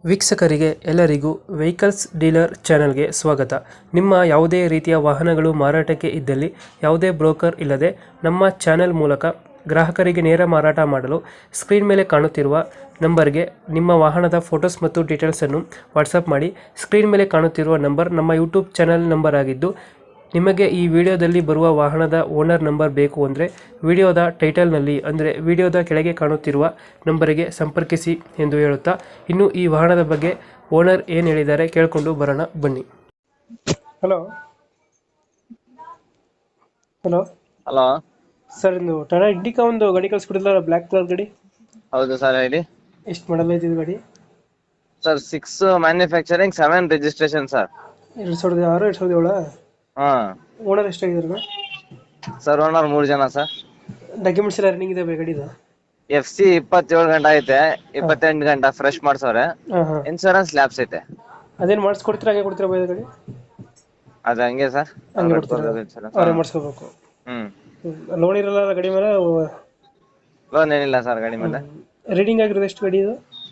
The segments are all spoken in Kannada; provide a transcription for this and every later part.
ವೀಕ್ಷಕರಿಗೆ ಎಲ್ಲರಿಗೂ ವೆಹಿಕಲ್ಸ್ ಡೀಲರ್ ಚಾನೆಲ್ಗೆ ಸ್ವಾಗತ. ನಿಮ್ಮ ಯಾವುದೇ ರೀತಿಯ ವಾಹನಗಳು ಮಾರಾಟಕ್ಕೆ ಇದ್ದಲ್ಲಿ ಯಾವುದೇ ಬ್ರೋಕರ್ ಇಲ್ಲದೆ ನಮ್ಮ ಚಾನೆಲ್ ಮೂಲಕ ಗ್ರಾಹಕರಿಗೆ ನೇರ ಮಾರಾಟ ಮಾಡಲು ಸ್ಕ್ರೀನ್ ಮೇಲೆ ಕಾಣುತ್ತಿರುವ ನಂಬರ್ಗೆ ನಿಮ್ಮ ವಾಹನದ ಫೋಟೋಸ್ ಮತ್ತು ಡೀಟೇಲ್ಸನ್ನು ವಾಟ್ಸಪ್ ಮಾಡಿ. ಸ್ಕ್ರೀನ್ ಮೇಲೆ ಕಾಣುತ್ತಿರುವ ನಂಬರ್ ನಮ್ಮ ಯೂಟ್ಯೂಬ್ ಚಾನೆಲ್ ನಂಬರ್ ಆಗಿದ್ದು, ನಿಮಗೆ ಈ ವಿಡಿಯೋದಲ್ಲಿ ಬರುವ ವಾಹನದ ಓನರ್ ನಂಬರ್ ಬೇಕು ಅಂದರೆ ವಿಡಿಯೋದ ಟೈಟಲ್ನಲ್ಲಿ ಅಂದರೆ ವಿಡಿಯೋದ ಕೆಳಗೆ ಕಾಣುತ್ತಿರುವ ನಂಬರಿಗೆ ಸಂಪರ್ಕಿಸಿ ಎಂದು ಹೇಳುತ್ತಾ, ಇನ್ನು ಈ ವಾಹನದ ಬಗ್ಗೆ ಓನರ್ ಏನು ಹೇಳಿದ್ದಾರೆ ಕೇಳಿಕೊಂಡು ಬರೋಣ ಬನ್ನಿ. ಹಲೋ ಹಲೋ ಹಲೋ ಸರ್, ಇದು ಟಾಟಾ ಇಂಡಿಕಾ ಒಂದು ಗಾಡಿ ಕಳಿಸ್ಕೊಡಿಲ್ಲ, ಬ್ಲ್ಯಾಕ್ ಕಲರ್ ಗಾಡಿ. ಹೌದು ಸರ್, ಹೇಳಿ. ಎಷ್ಟು ಮಾಡಲ್ ಐತಿ ಗಾಡಿ? Sir 6 manufacturing 7 registration sir. 2006 2007. ಹಾ ಓನರ್ ಎಷ್ಟಾಗಿದ್ದಾರೆ ಸರ್? ಓನರ್ 3 ಜನ ಸರ್. ಡಾಕ್ಯುಮೆಂಟ್ಸ್ ಎಲ್ಲ ರನ್ನಿಂಗ್ ಇದೆ ಗಾಡಿದು? FC 27 ಗಂಟೆ ಐತೆ, 28 ಗಂಟೆ ಫ್ರೆಶ್ ಮಾಡ್ಸವ್ರೆ. ಹಾಂ ಹಾಂ. ಇನ್ಶೂರೆನ್ಸ್ ಲ್ಯಾಬ್ಸ್ ಐತೆ. ಅದೇನು ಮಾಡಿಸ್ಕೊಡ್ತೀರಾ, ಹಂಗೆ ಕೊಡ್ತೀರಾ ಬೈ ಗಾಡಿ? ಅದು ಹಂಗೆ ಸರ್, ಹಂಗೆ ಕೊಡ್ತೀರಾ? ಅವರೇ ಮಾಡಿಸ್ಕೋಬೇಕು. ಲೋನ್ ಇರಲ್ಲ ಗಾಡಿ ಮೇಲೆ? ಲೋನ್ ಏನಿಲ್ಲ ಸರ್ ಗಾಡಿ ಮೇಲೆ. ರೀಡಿಂಗ್ ಆಗಿರೋದು ಎಷ್ಟು ಗಾಡಿ ಇದು?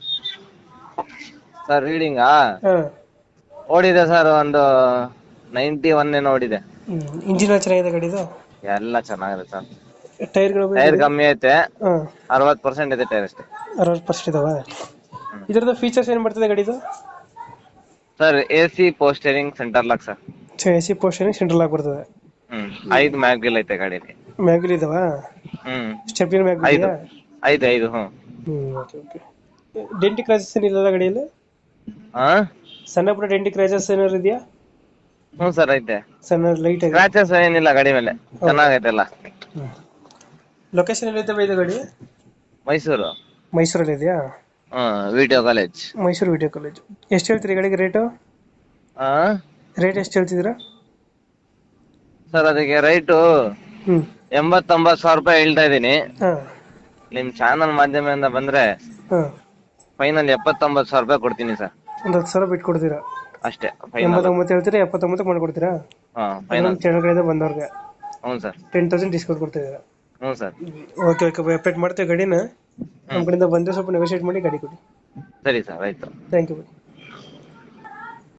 ಸರ್ ರೀಡಿಂಗಾ ಹಾಂ, ಓಡಿದೆ ಸರ್, ಒಂದು 91 ಏನೋ ಓಡಿದೆ. ಇಂಜಿನ್ ಚೆನ್ನಾಗಿದೆ ಗಾಡಿದು? ಎಲ್ಲ ಚೆನ್ನಾಗಿದೆ ಸರ್. ಟೈರ್ಗಳು? ಟೈರ್ ಕಮ್ಮಿ ಐತೆ, ಹಾಂ, 60% ಇದೆ ಟೈರ್ ಅಷ್ಟೇ. 60% ಇದಾವ. ಇದರದ ಫೀಚರ್ಸ್ ಏನು ಬರ್ತದೆ ಗಾಡಿದು? Sir AC power steering centre lock sir. AC power steering central ಆಗಿ ಬರ್ತದೆ. 5 ಮ್ಯಾಗ್ವಿಲ್ ಐತೆ ಗಾಡಿಲಿ. ಮ್ಯಾಗ್ವಿಲ್ ಇದಾವ? Stepney mag wheel? 5 okay okay. ಡೆಂಟಿಕ್ ಕ್ರಾಚಸ್ ಏನಿಲ್ಲ ಗಾಡಿಯಲ್ಲಿ? ಹಾ ಸಣ್ಣ ಪುಟ್ಟ ಡೆಂಟಿಕ್ ಕ್ರಾಚಸ್ ಏನಾದ್ರು ಇದೆಯಾ? ಸರ್ ಐತೆ. ಸಣ್ಣ ಲೈಟ್ ಆಗಿ? ಸ್ಕ್ರಾಚಸ್ ಏನಿಲ್ಲ ಗಾಡಿ ಮೇಲೆ, ಚೆನ್ನಾಗೈತೆ ಎಲ್ಲ. ಲೊಕೇಶನ್ ಎಲ್ಲಿದೆ ಇದು ಗಾಡಿ? ಮೈಸೂರು. ಮೈಸೂರಲ್ಲಿ ಇದೆಯಾ? Video college. Mysuru video college. ಎಷ್ಟು ಹೇಳ್ತೀರಿ ಗಾಡಿಗೆ ರೇಟು? ರೇಟ್ ಎಷ್ಟು ಹೇಳ್ತಿದ್ದೀರಾ ಸರ್? ಅದಕ್ಕೆ ರೈಟು 80-90 ಸಾವಿರ ರೂಪಾಯಿ ಹೇಳ್ತಾ ಇದೀನಿ. ನಿಮ್ ಚಾನಲ್ ಮಾಧ್ಯಮದಿಂದ ಬಂದ್ರೆ ಫೈನಲ್ 70-90 ಸಾವಿರ ರೂಪಾಯಿ ಕೊಡ್ತೀನಿ ಸರ್. ಒಂದು 10 ಸಾವಿರ ಬಿಟ್ಟು ಕೊಡ್ತೀರಾ ಅಷ್ಟೇ? 89 ಹೇಳ್ತೀರಾ, 79 ಮಾಡ್ಕೊಡ್ತೀರಾ? ಫೈನಲ್ ಚಾನಲ್ ಕಡೆಯಿಂದ ಬಂದವ್ರಿಗೆ? ಹ್ಞೂ ಸರ್. 10,000 ಡಿಸ್ಕೌಂಟ್ ಕೊಡ್ತಿದ್ದೀರಾ? ಹ್ಞೂ ಸರ್. ಓಕೆ ಓಕೆ, ಅಪ್ಡೇಟ್ ಮಾಡ್ತೀವಿ ಗಾಡಿನ. ನಮ್ಮ ಕಡೆಯಿಂದ ಬಂದರೆ ಸ್ವಲ್ಪ ನೆಗೋಷಿಯೇಟ್ ಮಾಡಿ ಗಾಡಿ ಕೊಡಿ. ಸರಿ ಸರ್, ಆಯ್ತು. Thank you.